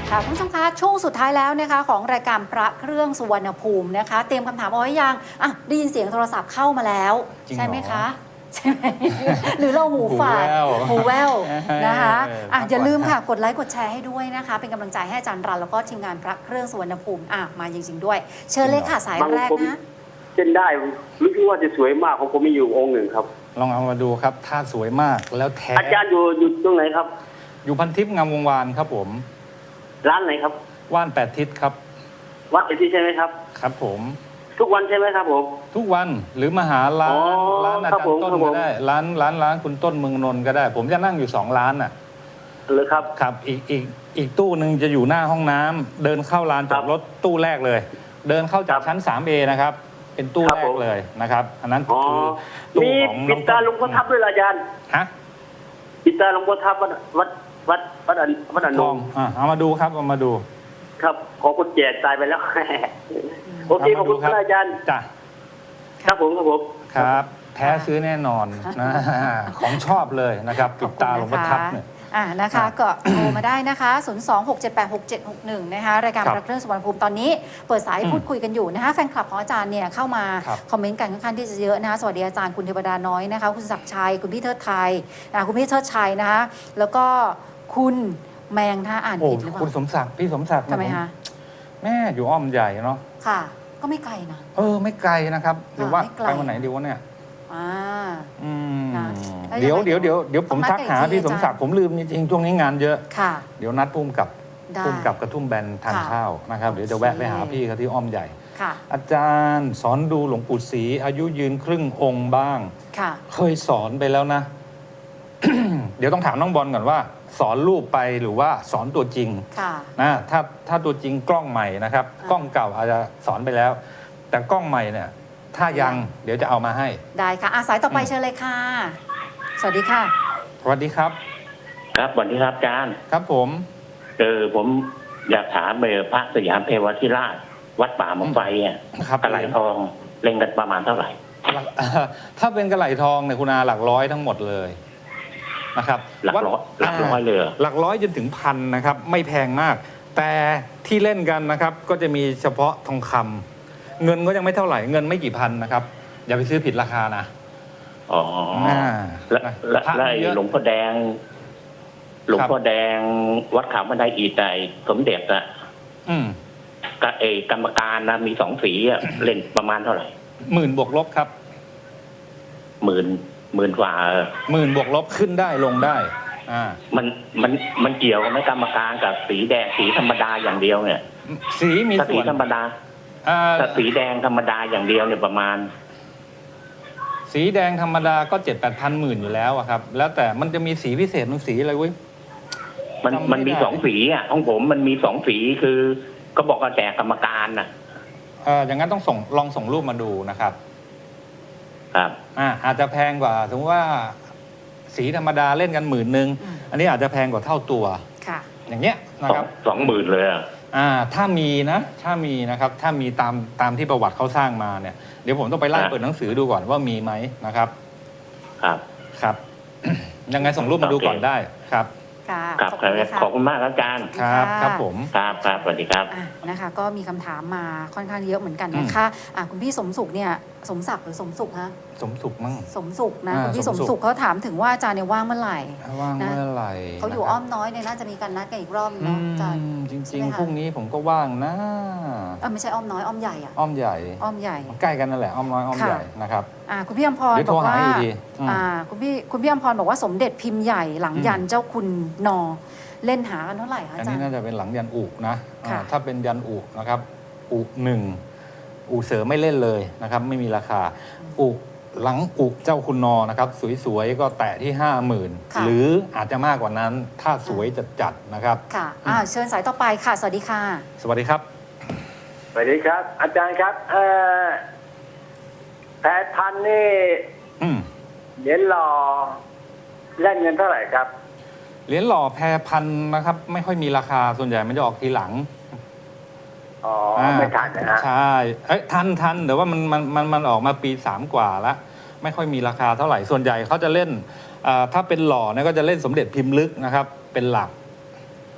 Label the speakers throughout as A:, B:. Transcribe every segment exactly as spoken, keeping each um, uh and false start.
A: ค่ะคุณผู้ชมคะช่วงสุดท้ายแล้วนะคะของรายการพระเครื่องสุวรรณภูมินะคะเตรียมคำถามเอาไว้ยังอ่ะได้ยินเสียงโทรศัพท์เข้ามาแล้วใช่ไหมคะใช่ไหมหรือเราหูฝาดหูแววนะคะอ่ะอย่าลืมค่ะกดไลค์กดแชร์ให้ด้วยนะคะเป็นกำลังใจให้อาจารย์รันแล้วก็ทีมงานพระเครื่องสุวรรณภูมิอ่ะมาจริงๆด้วยเชิญเลยค่ะสายแรกนะ
B: เช่นได้รู้สึกว่าจะสวยมากของผมมีอยู่องค์หนึ่งครับ
C: ลองเอามาดูครับท่าสวยมากแล้วแท้
B: อาจารย์อยู่อยู่ตรงไหนครับ
C: อยู่พันทิพย์งามวงวานครับผม
B: ร้านไหนครับ
C: ว่านแปดทิศครับ
B: วัดไอที่ใช่ไหมครับ
C: ครับผม
B: ทุกวันใช่ไหมครับผม
C: ทุกวันหรือมาหาร้านร้านอาจารย์ต้นก็ได้ร้านร้านร้านคุณต้นเมืองนนท์ก็ได้ผมจะนั่งอยู่สองร้านน่ะ
B: เลยครับ
C: ครับอีกอีกอีกตู้หนึ่งจะอยู่หน้าห้องน้ำเดินเข้าลานจอดรถตู้แรกเลยเดินเข้าจากชั้น สามเอ นะครับเป็นตู้แรกเลยนะครับอันนั้นคือ
B: ตู้ของปิดตาหลวงพ่อทับด้วยอาจารย์
C: ฮะ
B: ปิดตาหลวงพ่อทับวัดวัดวัดวัดอันวัดอันนง
C: อ่าเอามาดูครับเอามาดู
B: ครับขอคุณแจกตายไปแล้วโอเคขอบคุณอาจารย์
C: จ้ะ
B: ครับผมครับผม
C: ครับแท้ซื้อแน่นอนนะของชอบเลยนะครับปิดตาหลวงพ่อทับเนี่ย
A: อ่านะคะก็โทรมาได้นะคะศูนย์ สอง หก เจ็ด แปด หก เจ็ด หก หนึ่งนะคะรายการพระเครื่องสุวรรณภูมิตอนนี้เปิดสายพูดคุยกันอยู่นะคะแฟนคลับของอาจารย์เนี่ยเข้ามาคอมเมนต์กันค่อนข้างที่จะเยอะนะคะสวัสดีอาจารย์คุณเทวดาน้อยนะคะคุณศักดิ์ชัยคุณพี่เทิดไทยคุณพี่เทิดชัยนะคะแล้วก็คุณแมงท่าอ่านผิดหรือเปล่า
C: คุณสมศักดิ์พี่สมศักดิ์
A: ทำไมคะ
C: แม่อยู่อ้อมใหญ่เนาะ
A: ค่ะก็ไม่ไกลนะ
C: เออไม่ไกลนะครับหรือว่าไปวันไหนดีวะเนี่ย
A: อ่า
C: อืมเดี๋ยวเดี๋ยวเดี๋ยวเดี๋ยวผมทักหาพี่สมศักดิ์ผมลืมจริงๆช่วงนี้งานเยอะ
A: ค่ะ
C: เดี๋ยวนัดพุ่มกับพุ่มกับกระทุ่มแบนทานข้าวนะครับเดี๋ยวจะแวะไปหาพี่เขาที่อ้อมใหญ่อาจารย์สอนดูหลวงปู่ศรีอายุยืนครึ่งองค์บ้างเคยสอนไปแล้วนะ เดี๋ยวต้องถามน้องบอลก่อนว่าสอนรูปไปหรือว่าสอนตัวจริงนะถ้าถ้าตัวจริงกล้องใหม่นะครับกล้องเก่าอาจจะสอนไปแล้วแต่กล้องใหม่เนี่ยถ้ายังเดี๋ยวจะเอามาให้
A: ได้ค่ะอาสายต่อไปเชิญเลยค่ะสวัสดีค่ะ
C: สวัสดีครับ
D: ครับสวัสดีครับอาจารย์
C: ครับผม
D: เออผมอยากถามเบอร์พระสยามเทวทิราชวัดป่าหมอไฟอ่ะกระไหลทองเล็งกันประมาณเท่าไหร่
C: ถ้าเป็นกระไหลทองเนี่ยคุณอาหลักร้อยทั้งหมดเลยนะครับ
D: หลักร้อยหลักร้อยเลย
C: หลักร้อยจนถึงพันนะครับไม่แพงมากแต่ที่เล่นกันนะครับก็จะมีเฉพาะทองคำเงินก็ยังไม่เท่าไหร่เงินไม่กี่พันนะครับอย่าไปซื้อผิดราคานะ
D: อ๋อและและหลวงพ่อแดงหลวงพ่อแดงวัดขาวบันไดอีไตสมเด็จอะกับเอกรรมการนะมีสองสีอะเล่นประมาณเท่าไหร่
C: หมื่นบวกลบครับ
D: หมื่นหมื่นกว่า
C: หมื่นบวกลบขึ้นได้ลงได้อ่า
D: มันมันมันเกี่ยวกับไหมกรรมการกับสีแดงสีธรรมดาอย่างเดียวเนี่ย
C: สีมีส่วน
D: สีธรรมดาถ้าสีแดงธรรมดาอย่างเดียวเนี่ยประมาณ
C: สีแดงธรรมดาก็เจ็ดแปดพันหมื่นอยู่แล้วอะครับแล้วแต่มันจะมีสีพิเศษมันสีอะไรเว้ย
D: มันมันมีสองสีอ่ะของผมมันมีสองสีคือก็บอกว่าแจกกรรมการน่ะ
C: เอออย่างนั้นต้องส่งลองส่งรูปมาดูนะครับ
D: ครับ
C: อ่าอาจจะแพงกว่าสมมติว่าสีธรรมดาเล่นกันหมื่นหนึ่งอันนี้อาจจะแพงกว่าเท่าตัว
A: ค่ะ
C: อย่างเงี้ยนะครับ
D: สองหมื่นเลยอ่ะ
C: อ่าถ้ามีนะถ้ามีนะครับถ้ามีตามตามที่ประวัติเขาสร้างมาเนี่ยเดี๋ยวผมต้องไปไล่เปิดหนังสือดูก่อนว่ามีไหมนะครับ
D: ครับ
C: ครับยังไงส่งรูปมาดูก่อนได้ครับ
D: ครับขอบคุณมากอาจารย์
C: ครับครับผม
D: ครับครับสวัสดีครับ
A: นะคะก็มีคำถามมาค่อนข้างเยอะเหมือนกันนะคะอ่ะคุณพี่สมสุขเนี่ยสมศักดิ์หรือสมสุขฮะ
C: สมสุขมั้ง
A: สมสุขนะคุณพี่สมสุขเขาถามถึงว่าอาจารย์เนี่ยว่างเมื่อไหร่
C: ว่างเมื่อไหร่
A: เขาอยู่อ้อมน้อยเนี่ยน่าจะมีการนัดกันอีกรอบเนาะอาจารย์
C: จริงๆพรุ่งนี้ผมก็ว่างนะ
A: เออไม่ใช่อ้อมน้อยอ้อมใหญ่อะ
C: อ้อมใหญ่
A: อ้อมใหญ่
C: ใกล้กันนั่นแหละอ้อมน้อยอ้อมใหญ่นะครับ
A: อ่าคุณพี่อมพรบอกว่าอ่าคุณพี่คุณพี่อมพรบอกว่าสมเด็จพิมพ์ใหญ่หลังยันเจ้าคุณนอเล่นหากันเท่าไหร่คะอาจารย์
C: อันนี้น่าจะเป็นหลังยันอุนะถ้าเป็นยันอุนะครับอุหนึ่งอุเสริมไม่เล่นเลยนะครับไม่มีราคาอุหลังอุเจ้าคุณนอนะครับสวยๆก็แตะที่ห้าหมื่นหรืออาจจะมากกว่านั้นถ้าสวยจัดๆนะครับ
A: ค่ะอ่าเชิญสายต่อไปค่ะสวัสดีค่ะ
C: สวัสดีครับ
B: สวัสดีครับอาจารย์ครับเอ่อแพทพันนี่เหรียญหล่อเล่นเงินเท่าไหร่ครับ
C: เหรียญหล่อแพรพันนะครับไม่ค่อยมีราคาส่วนใหญ่มันจะออกทีหลัง
B: อ๋อไม่ทันนะฮะ
C: ใช่เอ้ยทันทันแต่ว่ามันมันมันมันออกมาปีสามกว่าแล้วไม่ค่อยมีราคาเท่าไหร่ส่วนใหญ่เขาจะเล่นถ้าเป็นหล่อเนี่ยก็จะเล่นสมเด็จพิมพ์ลึกนะครับเป็นหลัก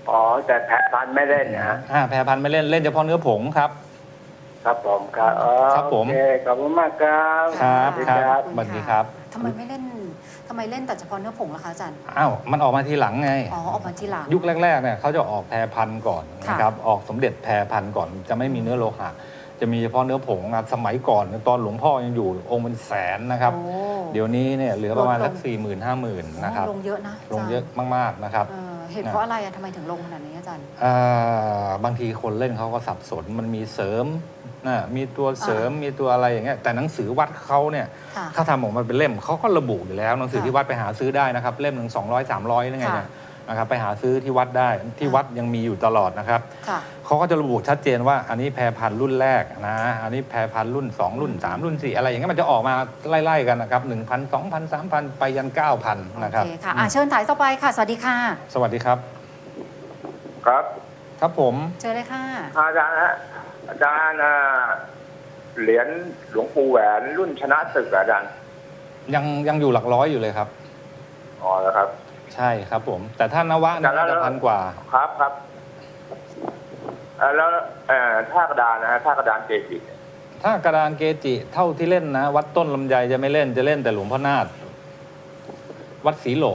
B: อ๋อแต่แพะพันธุ์ไม่เล่นนะฮะ
C: อ่าแพรพันธุ์ไม่เล่นเล่นเฉพาะเนื้อผงครับ
B: ครับผมครับอ๋อ
C: ครับผม
B: โอเคขอบคุณมากครับ
C: ครับ
B: สวัสดี
C: ค
B: ค
C: รั
B: รั
C: บบ สวัสดีครับ
A: ทำไมไม่เล่นทำไมเล่นแต่เฉพาะเนื้อผงล่ะคะอาจารย์
C: อ้าวมันออกมาทีหลังไง
A: อ๋อออกมาทีหลัง
C: ยุคแรกๆเนี่ยเขาจะออกแพรพันธุ์ก่อน
A: ค่ะ
C: นะครับออกสมเด็จแพรพันธุ์ก่อนจะไม่มีเนื้อโลหะจะมีเฉพาะเนื้อผงนะสมัยก่อนตอนหลวงพ่อยังอยู่องค์เป็นแสนนะครับ
A: โอ้
C: เดี๋ยวนี้เนี่ยเหลือประมาณ
A: ลดลง
C: สักสี่หมื่นห้าหมื่นนะครับ
A: ลงเยอะนะ
C: ลงเยอะมากๆนะครับ
A: เออเหตุเพราะอะไรอะทำไมถึงลงขนาดนี้อาจารย์
C: อ่าบางทีคนเล่นเขาก็สับสนมันมีเสริมนะมีตัวเสริมมีตัวอะไรอย่างเงี้ยแต่หนังสือวัดเขาเนี่ย
A: ค่ะ
C: เขาทำออกมาเป็นเล่มเขาก็ระบุอยู่แล้วหนังสือ
A: ค่ะ
C: ที่วัดไปหาซื้อได้นะครับเล่มหนึ่งสองร้อยสามร้อยนี่ไงเนี่ยนะครับไปหาซื้อที่วัดได้ที่วัดยังมีอยู่ตลอดนะครับ
A: ค่ะ
C: เขาก็จะระบุชัดเจนว่าอันนี้แพรพันธุ์รุ่นแรกนะอันนี้แพรพันธุ์รุ่นสองรุ่นสามรุ่นสี่อะไรอย่างเงี้ยมันจะออกมาไล่ๆกันนะครับหนึ่งพันสองพันสามพันไปยันเก้าพัน
A: โอ
C: นะครับ
A: เคค่ะอ่ะเชิญถ่ายต่อไปค่ะ สวัสดีค่ะ
C: สวัสดีครับ
B: ครับ
C: ครับผม
A: เชิญเลยค่ะ
B: อาจารย์ฮะอาจารย์อ่าเหรียญหลวงปู่แหวนรุ่นชนะศึกอะอาจารย์
C: ยังยังอยู่หลักร้อยอยู่เลยครับ
B: อ๋อแล้วครับ
C: ใช่ครับผม แต่ถ้านวะ
B: แต่
C: น่า
B: แล้ว
C: จะพันกว่า
B: ครับครับเอ่อแล้วเอ่อท่ากระดานนะฮะท่ากระดานเกจิเนี่ย
C: ถ้ากระดานเกจิเท่าที่เล่นนะ วัดต้นลำไยจะไม่เล่นจะเล่นแต่หลวงพ่อนาฏวัดศรีโลก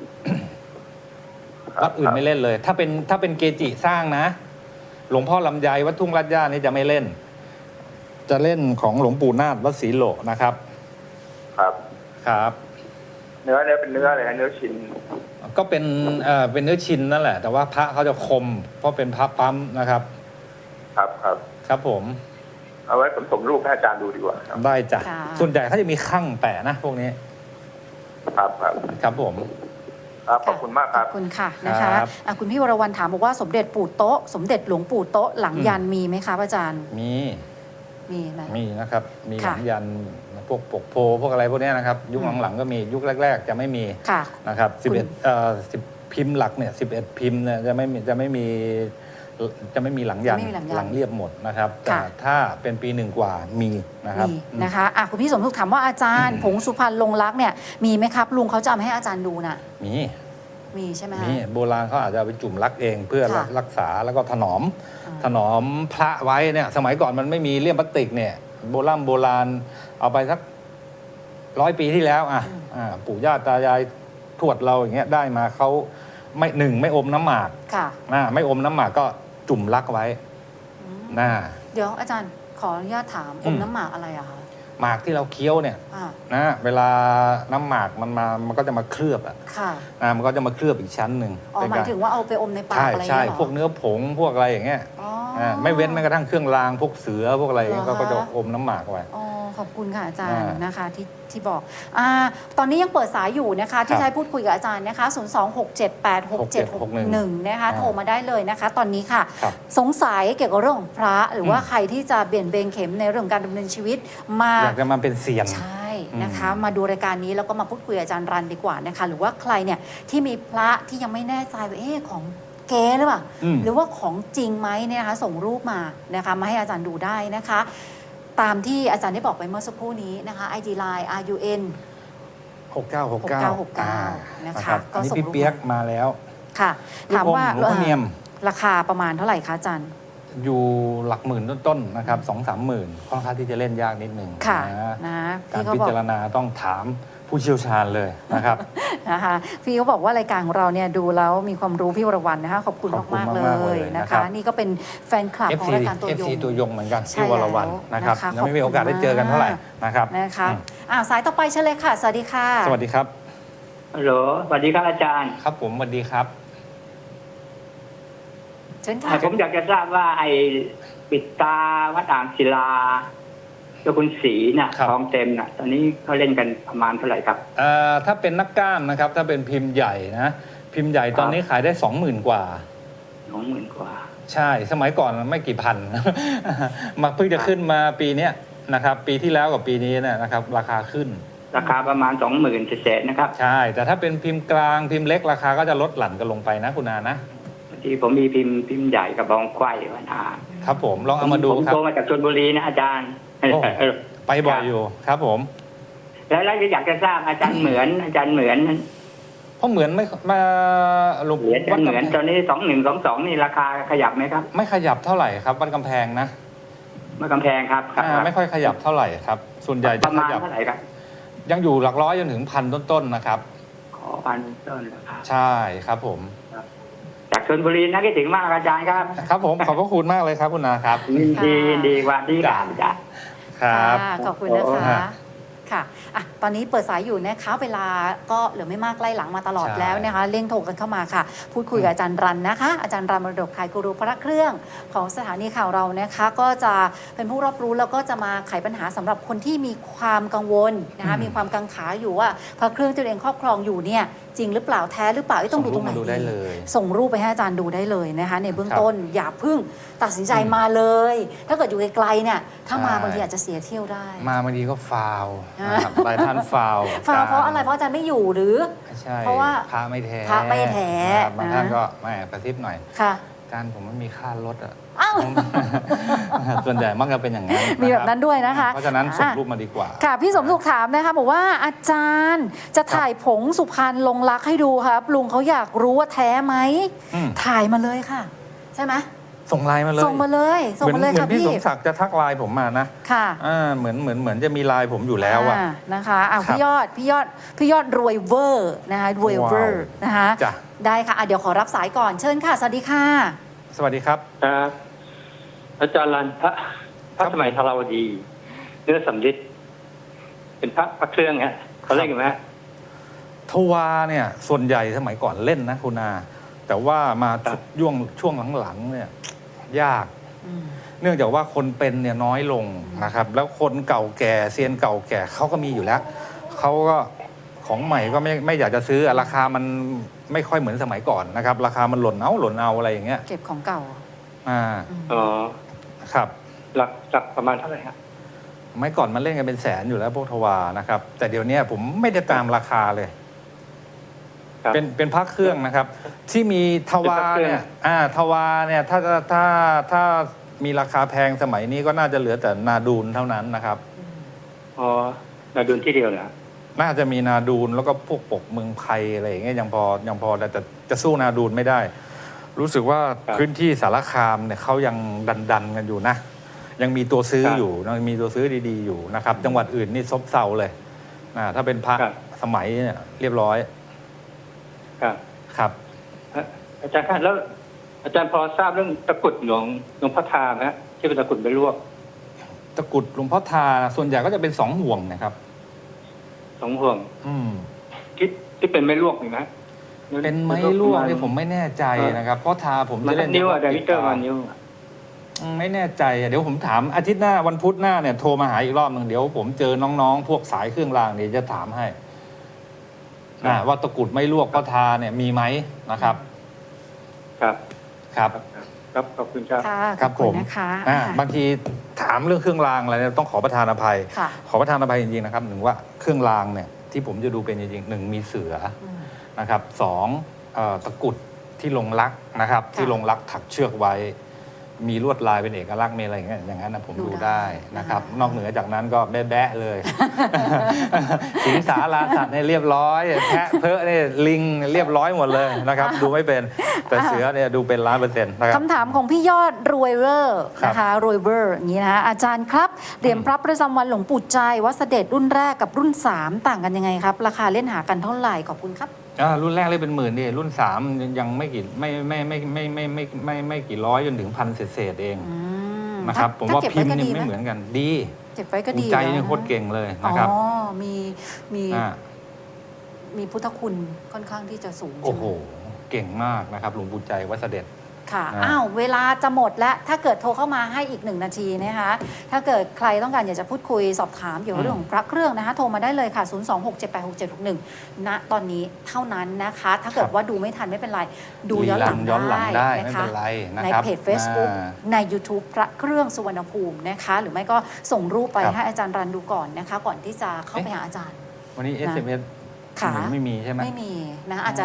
C: วัดอื่นไม่เล่นเลย ถ้าเป็นถ้าเป็นเกจิสร้างนะ หลวงพ่อลำไยวัดทุ่งรัดย่านี่จะไม่เล่น จะเล่นของหลวงปู่นาฏวัดศรีโลกนะครับ
B: ครับ
C: ครับ
B: เนื้อเนี่ยเป็นเนื้ออะไรฮะเนื้อชิ้น
C: ก็เป็นเอ่อเป็นเนื้อชิ้นนั่นแหละ แต่ว่าพระเขาจะคม เพราะเป็นพระปั๊มนะครับ
B: ครับครับ
C: ครับผม
B: เอาไว้ผมส่งรูปให้อาจารย์ดูดีกว่าครับ
C: ได้จ้ะ
A: ค่ะ
C: ส่วนใหญ่เขาจะมีข้างแปะนะพวกนี้
B: ครับครับ
C: ครับผม
B: ครับขอบคุณมากค
A: ข
B: รั
A: อบ บคุณค่ะนะคะ
C: ครับ
A: อ่ะคุณพี่วรวรรณถามบอกว่าสมเด็จปู่โต๊ะ สมเด็จหลวงปู่โต๊ะหลัง
C: อืม
A: ยันมีไหมคะอาจารย์
C: มี
A: มีไหม
C: มีนะครับ มีห
A: ค่ะ
C: ลังยันพวกปกโพพวกอะไรพวกเนี้ยนะครับ ยุค
A: อืม
C: หลังๆก็มียุคแรก ๆ จะไม่มี
A: ค่ะ
C: นะครับสิบ
A: คุ
C: เอ็
A: ณ
C: ดเอ่อสิบพิมพ์หลักเนี่ยสิบเอ็ดพิมพ์เนี่ยจะไม่มีจะไม่มีจะไม่มีหลังยัน
A: จะไม่มีหลังยัน
C: หลังเรียบหมดนะครับแต่
A: ค่ะ
C: ถ้าเป็นปีหนึ่งกว่ามีนะครับ
A: มีนะคะอ่ะคุณพี่สมทุกถามว่าอาจารย์ ผงสุพรรณลงรักเนี่ยมีไหมครับ ลุงเขาจะเอามาให้อาจารย์ดูน่ะ
C: มี
A: มีใช่ไหมคะ
C: มีโบราณเขาอาจจะเอาไปจุ่มรักเองเพื่อ
A: ค่ะ
C: รักษาแล้วก็ถนอม
A: อ่า
C: ถนอมพระไว้เนี่ยสมัยก่อนมันไม่มีเลี่ยมพลาสติกเนี่ยโบราณโบราณเอาไปสักร้อยปีที่แล้วอ่ะอ่าปู่ย่าตายายทวดเราอย่างเงี้ยได้มาเขาไม่หนึ่งไม่อมน้ำหมาก
A: ค่ะ
C: นะไม่อมน้ำหมากก็จุ่มรักไว้
A: อืม
C: นะ
A: เดี๋ยวอาจารย์ขออนุญาตถาม
C: อื
A: อ
C: ม
A: มน้ำหมากอะไรอะคะ
C: หมากที่เราเคี้ยวเนี่ย
A: อ่า
C: นะเวลาน้ำหมากมันมามันก็จะมาเคลือบอ่ะ
A: ค่ะ
C: นะมันก็จะมาเคลือบอีกชั้นหนึ่ง
A: อ๋อหมายถึงว่าเอาไปอมในปาก
C: ใช่
A: อะไร
C: ใช่
A: เงี้ยเหรอ
C: พวกเนื้อผงพวกอะไรอย่างเงี้ย
A: อ๋อ
C: อ่าไม่เว้นแม้กระทั่งเครื่องรางพวกเสือพวกอะไรอย่างเงี้ย
A: เหรอ
C: ก็
A: คะ
C: ก็จะอมน้ำหมากไว้
A: อ๋อขอบคุณค่ะอาจารย์
C: อ่าน
A: นะคะที่ที่บอกอาตอนนี้ยังเปิดสายอยู่นะคะ ที่
C: ครับ
A: จะให้พูดคุยกับอาจารย์นะคะ ศูนย์ สอง หก เจ็ด แปด หก เจ็ด หก หนึ่ง นะคะ
C: อ่า
A: โทรมาได้เลยนะคะ ตอนนี้ค่ะ
C: ครับ
A: สงสัยเกี่ยวกับเรื่องของพระ หรือว่า
C: อืม
A: ใครที่จะเบี่ยนเบนเข็มในเรื่องการดำเนินชีวิตมา
C: อยากจะมาเป็นเซียน
A: ใช่นะคะ
C: อืม
A: มาดูรายการนี้แล้วก็มาพูดคุยกับอาจารย์รันดีกว่านะคะ หรือว่าใครเนี่ยที่มีพระที่ยังไม่แน่ใจว่าเอ๊ะของเก๊หรือเปล่า
C: อืม
A: หรือว่าของจริงไหมเนี่ยนะคะส่งรูปมานะคะมาให้อาจารย์ดูได้นะคะ ตามที่อาจารย์ได้บอกไปเมื่อสักครู่นี้นะคะ ไอ ดี Line อาร์ ยู เอ็น
C: หกเก้าหกเก้า
A: หกเก้า นะคะ
C: รับ
A: ก็
C: อันนี้
A: ส่ง
C: พี่
A: รูป
C: เปียก
A: มา
C: มาแล้ว
A: ค่ะ
C: ลูก
A: ถามว่า
C: อมหลวงพ่อเนียม
A: ราคาประมาณเท่าไหร่คะอาจารย์
C: อยู่หลักหมื่นต้นๆนะครับสองสามหมื่นค่อนข้างที่จะเล่นยากนิดหนึ่ง
A: ค่ะ
C: นะ
A: นะ
C: การ
A: พี่เขา
C: พิ
A: บอก
C: จารณาต้องถามผู้เชี่ยวชาญเลยนะครับ
A: นะคะพี่เขาบอกว่ารายการของเราเนี่ยดูแล้วมีความรู้พี่วรวรรณนะคะขอบคุณ
C: ขอบคุณ
A: มากๆเล
C: มากๆเลย
A: ย
C: นะ
A: นะ
C: ครั
A: คะ
C: บ
A: นี่ก็เป็นแฟนคลับของ
C: เอฟซี
A: รายการตัวย
C: เอฟ
A: ง
C: ซีตัวยงเหมือนกัน
A: ใช่
C: ที่วรวรรณ
A: แล้ว
C: นะครับ
A: นะคะ
C: ยังไม่มีโอกาสได้เจอกันเท่าไหร่นะครับ
A: นะคะ
C: อืม
A: อ่าสายต่อไปเชิญเลยค่ะ สวัสดีค่ะ
C: สวัสดีครับ
E: ฮัลโหลสวัสดีครับอาจารย์
C: ครับผมสวัสดีครับ
A: เชิญค่ะ
E: อ่าผมอยากจะทราบว่าไอ้ปิดตาวัดอ่างศิลาเจ้าคุณศรีน่ะ
C: ครับ
E: ทองเต็มน่ะ ตอนนี้เขาเล่นกันประมาณเท่าไหร่ครับ
C: เอ่อถ้าเป็นนักกล้ามนะครับ ถ้าเป็นพิมพ์ใหญ่นะ พิมพ์ใหญ่ตอนนี้ขายได้สองหมื่นกว่า
E: สองหมื่นกว่า
C: ใช่ สมัยก่อนมันไม่กี่พัน มาเพิ่งจะขึ้นมาปีเนี้ยนะครับ ปีที่แล้วกับปีนี้เนยนะครับ ราคาขึ้น
E: ราคาประมาณสองหมื่นเศษๆนะครับ
C: ใช่ แต่ถ้าเป็นพิมพ์กลางพิมพ์เล็กราคาก็จะลดหลั่นกันลงไปนะคุณอานะ
E: บางทีผมมีพิมพ์พิมพ์ใหญ่กับบองไขว้วันอา
C: ครับผมลองเอามาดู
E: ผม
C: ครับ
E: โทรมาจากชลบุรีนะอาจารย์
C: โอ้
E: เออ
C: ไปบ่อยอยู่ครับผม
E: แล้วแล้วอยากจะทราบอาจารย์เหมือน อาจารย์เหมือน
C: เพราะเหมือนไม่มาหลวง
E: เหรียญ
C: วัด
E: เหมือน
C: กำแพ
E: ตอง นนี้สองหนึ่งสองสองนี่ราคาขยับไหมครับ
C: ไม่ขยับเท่าไหร่ครับวัดกำแพงนะ
E: เมื่อกำแพงครับครับ
C: อ่าไม่ค่อยขยับเท่าไหร่ครับ ส่วนใหญ่
E: ป
C: จะ
E: ระ
C: ข
E: มาณ
C: ยับ
E: เท่าไหร่ครับ
C: ยังอยู่หลักร้อยจนถึงพันต้นๆนะครับ
E: ขอพันต้นราคา
C: ใช่ครับผม
E: จากชลบุรีนะคิดถึงมากอาจารย์ครับ
C: ครับผมขอบพระคุณมากเลยครับคุณนาครับ
E: ยินดียินดีกว่าที่การจ้ะ
C: ครับ
A: ค่ะขอบคุณนะ
C: โอ้
A: คะ
C: ฮะ
A: ค่ะอ่ะ ตอนนี้เปิดสายอยู่นะคะ เวลาก็เหลือไม่มากไล่หลังมาตลอด
C: ใช่
A: แล้วนะคะเร่งโทรกันเข้ามาค่ะ พูดคุยกับอาจารย์รันนะคะ อาจารย์รันมรดกไทยกูรูพระเครื่องของสถานีข่าวเรานะคะ ก็จะเป็นผู้รอบรู้แล้วก็จะมาไขปัญหาสำหรับคนที่มีความกังวลนะคะ มีความกังขาอยู่ว่าพระเครื่องที่ตัวเองครอบครองอยู่เนี่ยจริงหรือเปล่าแท้หรือเปล่าต้องดูตรงไหน
C: ส่งรูปมาดูได้เลย
A: ส่งรูปไปให้อาจารย์ดูได้เลยนะคะ ในเบื้อง
C: ครับ
A: ต้นอย่าเพึ่งตัดสินใจมาเลย ถ้าเกิดอยู่ไกลๆเนี่ยถ้ามา
C: ใช่
A: บางทีอาจจะเสียเที่ยวได้
C: มาบางทีก็ฟาวล์
A: อ่า
C: นะครับหลายท่านฟาวล์
A: ฟาวเพราะอะไรเพราะอาจารย์ไม่อยู่หรือ
C: ใช่
A: เพราะว่า
C: พระไม่แท้
A: พระไม่แท้
C: นะครับบางท่าน
A: นะ
C: ก็แหม่กระซิบหน่อย
A: ค่ะ
C: อาจารย์ผมไม่มีค่ารถอ่ะ
A: อ้าว
C: ส่วนใหญ่มักจะเป็นอย่างนั้น
A: มีแบบนั้นด้วยนะคะ
C: เพราะฉะนั้นส่ง
A: อ่ะ
C: รูปมาดีกว่า
A: ค่ะ พี่สมสุขถามนะคะบอกว่าอาจารย์จะถ่ายผงสุพรรณลงรักให้ดูครับ ลุงเขาอยากรู้ว่าแท้ไหม
C: อืม
A: ถ่ายมาเลยค่ะ ใช่ไหม
C: ส่งไลน์มาเลย
A: ส่งมาเลยส่ง
C: เหมือน
A: มาเลย
C: เหมือ
A: ค่ะ
C: นพี่
A: พี่
C: สมศักดิ์จะทักไลน์ผมมานะ
A: ค่ะ
C: อ่าเหมือนเหมือนเหมือนจะมีไลน์ผมอยู่แล้วอ่ะ
A: านะคะอ่ะ
C: ครับ
A: พี่ยอดพี่ยอดพี่ยอดรวยเวอร์นะคะรวยเวอร์นะคะ
C: จ้ะ
A: ได้ค่ะอ่ะเดี๋ยวขอรับสายก่อนเชิญค่ะสวัสดีค่ะ
C: สวัสดีครับ
F: ครับอาจารย์รันพระพระสมัยธาราวดี เนื้อสำริดเป็นพระพระเครื่องฮะเขาเล่นกันไหมฮะ
C: ทวาเนี่ยส่วนใหญ่สมัยก่อนเล่นนะคุณอาแต่ว่ามา
F: ครับ
C: ย่วงช่วงหลังๆเนี่ยยาก
A: อืม
C: เนื่องจากว่าคนเป็นเนี่ยน้อยลงนะครับ แล้วคนเก่าแก่เซียนเก่าแก่เขาก็มีอยู่แล้วเขาก็ของใหม่ก็ไม่ไม่อยากจะซื้อราคามันไม่ค่อยเหมือนสมัยก่อนนะครับ ราคามันหล่นเอาหล่นเอาอะไรอย่างเงี้ย
A: เก็บของเก่า
C: อ่า
A: อืม
F: อ๋อ
C: ครับ
F: หลักหลักประมาณเท่าไหร่ฮะ
C: สมัยก่อนมันเล่นกันเป็นแสนอยู่แล้วพวกทวานะครับ แต่เดี๋ยวนี้ผมไม่ได้ตามราคาเลย
F: ครับ
C: เป็นเป็นพระเครื่องนะครับ ที่มีทวา
F: เป็นพระเครื่อง
C: เนี่ยอ่าทวาเนี่ยถ้าถ้าถ้าถ้ามีราคาแพงสมัยนี้ก็น่าจะเหลือแต่นาดูนเท่านั้นนะครับ
F: อ๋อนาดุลที่เดียวเหรอ
C: น่าจะมีนาดูนแล้วก็พวกปกเมืองไทยอะไรอย่างเงี้ยยังพอยังพอแต่จะจะสู้นาดูนไม่ได้ รู้สึกว่าพื้นที่สารคามเนี่ยเขายังดันดันๆกันอยู่นะ ยังมีตัวซื้ออยู่ยังมีตัวซื้อดีๆอยู่นะครับ จังหวัดอื่นนี่ซบเซาเลยอ่าถ้าเป็นพระสมัยเนี่ยเรียบร้อย
F: ครับ
C: ครับ
F: อ่ะอาจารย์ครับแล้ว อาจารย์พอทราบเรื่องตะกรุดหลวงหลวงพ่อทาไหมฮะที่เป็นตะกรุดไม่ลวก
C: ตะกรุดหลวงพ่อทาส่วนใหญ่ก็จะเป็นสองห่วงนะครับ
F: สองห่วง
C: อืม
F: ที่ที่เป็นไม่ลวกมีไหม
C: เป็นไม้ลวกนี่ผมไม่แน่ใจนะครับ เพราะทาผม
F: มัน
C: จะเล่น
F: นิ้วอะ
C: เฉ
F: เด
C: พาะ
F: วิเตอร์มันนิ้ว
C: อืมไม่แน่ใจอะเดี๋ยวผมถามอาทิตย์หน้าวันพุธหน้าเนี่ยโทรมาหาอีกรอบหนึ่งเดี๋ยวผมเจอน้องๆ พวกสายเครื่องรางเนี่ยจะถามให้นะว่าตะกรุดไม่ลวกพ่อทาเนี่ยมีไหมนะครับ
F: ครับ
C: ครับ
F: ครับขอบคุณครับ
A: ค่ะ
C: ครั
A: ข
C: บ
A: อบคุ
C: ผ
A: ณ
C: ม
A: นะคะ
C: อ่า
A: อ่ะ
C: บางทีถามเรื่องเครื่องรางอะไรเนี่ยต้องขอประทานอภัย
A: ค่ะ
C: ขอประทานอภัยจริงๆนะครับหนึ่งว่าเครื่องรางเนี่ยที่ผมจะดูเป็นจริงๆหนึ่งมีเสือ
A: อืม
C: นะครับสองเอ่อตะกรุดที่ลงรักนะครับ
A: ค่ะ
C: ที่ลงรักถักเชือกไว้ มีลวดลายเป็นเอกลักษณ์มีอะไรอย่างเงี้ยอย่างนั้นนะผม
A: ดู
C: ดู
A: ได้
C: ได้นะครับ
A: อ่าน
C: นอกเหนือจากนั้นก็แบ๊ะๆเลย สิงสาราสัตว์เนี่ยเรียบร้อยแพะเพอะเนี่ยลิงเรียบร้อยหมดเลยนะครับ ดูไม่เป็นแต่เสือเนี่ยดูเป็นล้านเปอร์เซ็นต์นะครับ
A: คำถามของพี่ยอดรวยเวอร์
C: ครับ
A: นะคะรวยเวอร์อย่างนี้นะคะอาจารย์ครับเหรียญพระประจำวันหลวงปู่ใจวัดเสด็จรุ่นแรกกับรุ่นสามต่างกันยังไงครับ ราคาเล่นหากันเท่าไหร่ขอบคุณครับ
C: อ่ารุ่นแรกเลยเป็นหมื่นดิรุ่นสามยังไม่กี่ไม่ไม่ไม่ไม่ไม่ไม่ไม่ไม่กี่ร้อยจนถึงพันเศษๆเอง
A: อืม
C: นะครับ
A: ถ้
C: ผมว่า
A: ถ้เก็บ
C: พิมพ์
A: ไก็
C: นี่
A: ดี
C: ไม่เหมือนกันดี
A: เก็บไว้ก็ดี
C: ใจ
A: แล้ว
C: นี่
A: นะ
C: โคตรเก่งเลยนะครับ
A: อ๋อมีมี
C: อ่า
A: มีพุทธคุณค่อนข้างที่จะสูง
C: โอ้โห
A: ใช่ไหม
C: เก่งมากนะครับ หลวงปู่ใจวัดเสด็จ
A: ค่ะ
C: อ่า
A: อ้าว เวลาจะหมดแล้ว ถ้าเกิดโทรเข้ามาให้อีกหนึ่งนาทีนะคะ ถ้าเกิดใครต้องการอยากจะพูดคุยสอบถามเกี่ยวกับเรื่องของพระเครื่องนะคะ โทรมาได้เลยค่ะ ศูนย์ สอง หก เจ็ด แปด หก เจ็ด หก หนึ่ง ณ ตอนนี้เท่านั้นนะคะ ถ้าเกิดว่าดูไม่ทันไม่เป็นไร ดูย้อนหลัง
C: ย้อนหลังได้
A: นะ
C: ไม่
A: คะ
C: เป็นไรนะ
A: ใน
C: ครับ
A: เพจ Facebook
C: อ่า
A: ใน YouTube พระเครื่องสุวรรณภูมินะคะ หรือไม่ก็ส่งรูปไป
C: ครับ
A: ให้อาจารย์รันดูก่อนนะคะ ก่อนที่จะเข้าไปหาอาจารย์
C: วันนี้
A: นะ
C: เอส เอ็ม เอส
A: ค่ะ
C: ไม่มีใช่ไหม
A: ไม่มีนะอาจจะ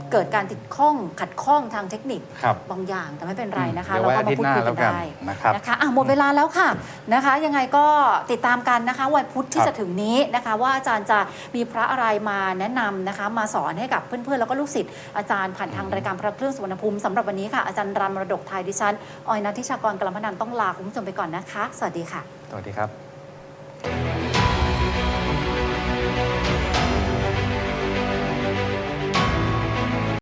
A: เกิดการติดข้องขัดข้องทางเทคนิค
C: ครับ
A: บางอย่างแต่ไม่เป็นไรนะคะ
C: เดี๋ยว
A: เรา
C: ไว้
A: ก็
C: อาทิ
A: มา
C: ตย์
A: พูด
C: หน้า
A: คุยกัน
C: แล้วกัน
A: ได้
C: นะครับ
A: นะคะอ่ะหมดเวลาแล้วค่ะนะคะ ยังไงก็ติดตามกันนะคะวันพุธที่
C: ครับ
A: จะถึงนี้นะคะ ว่าอาจารย์จะมีพระอะไรมาแนะนำนะคะ มาสอนให้กับเพื่อนๆแล้วก็ลูกศิษย์อาจารย์ผ่านทางรายการพระเครื่องสุวรรณภูมิสำหรับวันนี้ค่ะอาจารย์รันมรดกไทยดิฉันออยนัทธิชากรกลัมพนันท์ต้องลาคุณผู้ชมไปก่อนนะคะ สวัสดีค่ะ
C: สวัสดีครับ